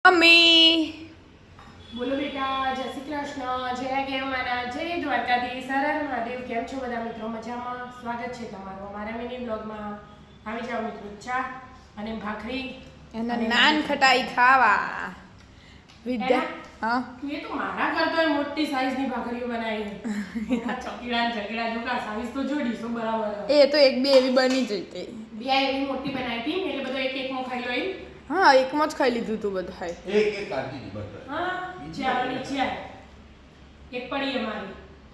Mummy બોલો બેટા, જય શ્રી કૃષ્ણ, જય ગેમાના, જય દ્વારકાધીશ, હર હર મહાદેવ. કેમ છો બધા મિત્રો? મજામાં? સ્વાગત છે તમારું અમારા મિની બ્લોગમાં. આવી જાઓ મિત્રો, ચા અને ભાખરી અને નાન ખટાઈ ખાવા વિદ્યા. હા, એ તો મારા કરતા મોટી સાઈઝની ભાખરીઓ બનાવી. ચકીડા ચકીડા જોકા સાઈઝ તો જોડી શું બરાબર. એ તો એક બે એવી બની જઈ હતી. બે એવી મોટી બનાવી હતી એટલે બધો એક એક માં ખાઈ લો એમ. હા, એકમાં જ ખાઈ લીધું તું બધાય. એક કાઢી દી બટર. હા, ચાલો નીચે આવ. એક પડી અમારી.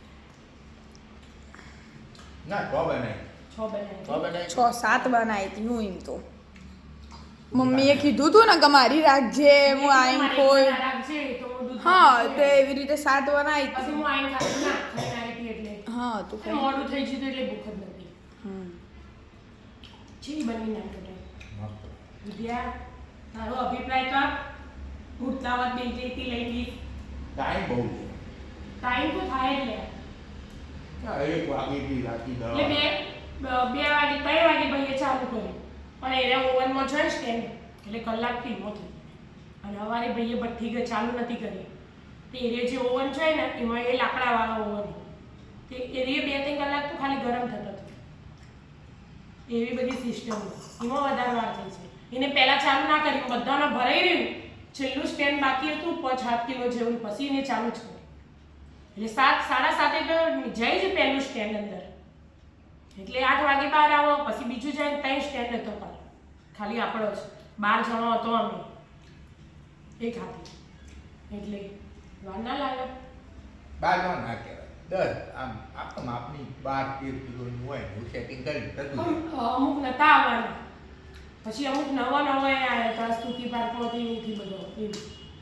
ના તો બનાય. 6 બનાવી. તો બનાય. 6-7 બનાવી હતી હું એમ તો. મમ્મીએ કીધું તું ને કે મારી રાખજે, હું આઈન ખોઈ. હા, તો એવી રીતે 7 બનાવી પછી હતી. હું આઈને ખાધું ના ખાઈને આવી હતી એટલે હા, તું ખાઈ. મોડું થઈ ગયું એટલે ભૂખ જ નથી. હમ. છી બની ના કટાઈ. મસ્ત. વિદ્યા, તારો અભિપ્રાય તો આપ. ઉઠતાવત બે જેથી લઈ લી. ટાઈમ બહુ છે. ટાઈમ તો થાય જ લે. આ 1 વાગેથી રાતી 10. એટલે 2 વાગે 3 વાગે ભાઈએ ચાલુ કર્યું. પણ એને ઓવનમાં છે સ્ટેન્ડ એટલે કલાક થી નહોતી. અને અમારે ભાઈએ ભઠ્ઠી ચાલુ નથી કરી. તે એ જે ઓવન છે ને એમાં એ લાકડાવાળો ઓવન. તે એ 2-3 કલાક તો ખાલી ગરમ થતો હતો. એવી બધી સિસ્ટમ એમાં વધારે વાર થઈ છે. એને પહેલા ચાલુ ના કર્યું, બધાને ભરાઈ રહ્યું. છેલ્લું સ્ટેન્ડ બાકી હતું 5-7 કિલો જેવું, પછી એને ચાલુ જ કર્યું. એટલે 7-7:30 તો જાય છે પહેલું સ્ટેન્ડ અંદર. એટલે 8 વાગે બહાર આવો, પછી બીજું જાય 3 સ્ટેન્ડ હતો ખાલી આપણો જ 12 જણો હતો અમે એક હાથી. એટલે વાર ના લાગે. 12 ના કહેવાય. 10 આમ આપ માપની 12-13 કિલોની હોય હું સેટિંગ કરી બધું. અમુક નતા આવવાના, પછી અમુક નવા આવ્યા હતા સ્તુતિ પાર્કમાંથી નથી બધો એવું.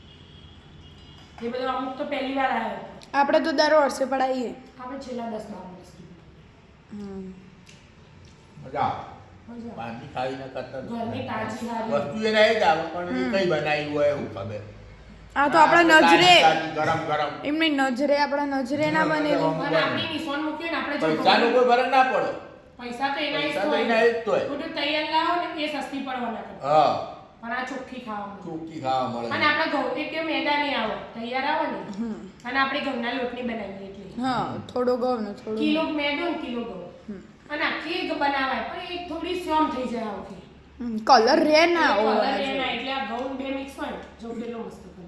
એ બધો અમુક તો પહેલી વાર આવ્યો. આપણે તો દર વર્ષે પડાવીએ. આપણે છેલ્લા 10-12 વર્ષથી મજા આવે. મજા આવે. બહારની ખાઈને કરતા ઘરની તાજી હારી. વસ્તુ એને જ આવે પણ એ કઈ બનાવી હોય એવું ખબર. આ તો આપણા નજરે ગરમ ગરમ એમની નજરે આપણા નજરે ના બનેલી. અને આપણી નિશાન મૂકીએ ને આપણે જો પૈસાનો કોઈ ફરક ના પડે. પૈસા તો એના પૈસા તો એના જ તો હોય. બધું તૈયાર લાવો ને એ સસ્તી પડવાના કરે. હા, પણ આ ચોખ્ખી ખાવા મળે. ચોખ્ખી ખાવા મળે. અને આપણે ઘઉં કે મેદાની આવો તૈયાર આવો ને. અને આપણે ઘઉંના લોટની બનાવીએ એટલે હા, થોડો ઘઉં ને થોડો કિલો મેદો ને કિલો ઘઉં. અને આખી એક બનાવાય પણ એક થોડી સોમ થઈ જાય આખી. કલર રે ના કલર હોય. એના એટલે આ ઘઉં બે મિક્સ હોય જો પેલો મસ્ત કલર.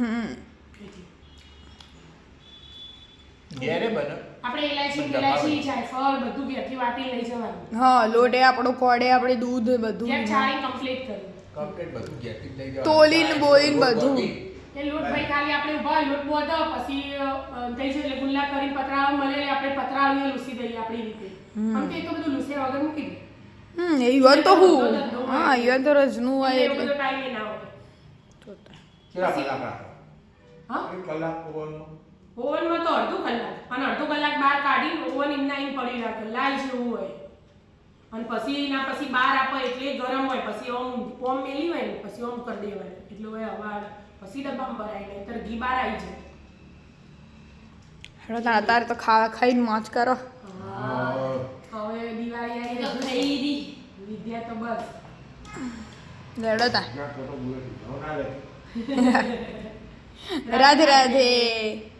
ઘેરે બને. આપણે ઇલાયચી જાયફળ બધું ઘેરથી વાટી લઈ જવાનું. હા, લોટે આપણો કોડે આપણે દૂધ બધું ઘેર ચાળી કમ્પ્લીટ કર્યું. કમ્પ્લીટ બધું ઘેરથી જ લઈ જવાનું. તોલીને બોલીને બધું. એ લોટ ભાઈ ખાલી આપણે ઉભા લોટ બોધો પછી થઈ છે એટલે ગુલ્લા કરીને પતરાળો મળે આપણે પતરાળીએ લૂસી દઈએ આપણી રીતે. આમ તો એ તો બધું લૂસે વગર મૂકી દે. ઈવન તો હું હા ઈવન તો રજનું હોય એટલે એટલે બધો ટાઈમ ના હોય. કેટલા કલાક રાખો? હા, 1 કલાક ઓવનમાં. ઓવનમાં તો અડધો કલાક અને અડધો કલાક બહાર કાઢીને ઓવન એમના એમ પડી રાખે લાલ જેવું હોય. અને પછી એના પછી બહાર આપો એટલે ગરમ હોય, પછી ઓમ મેલી હોય ને પછી ઓમ કરી દેવાય એટલે હોય હવા પછી ડબ્બામાં ભરાય ને નહીતર ઘી બહાર આવી જાય. હેડો તાર અત્યારે તો ખાઈને મોજ કરો. હવે દિવાળી આવી તો થઈ ગઈ વિદ્યા તો બસ લેડો તાર. ના તો બોલે ના લે. રાધે રાધે.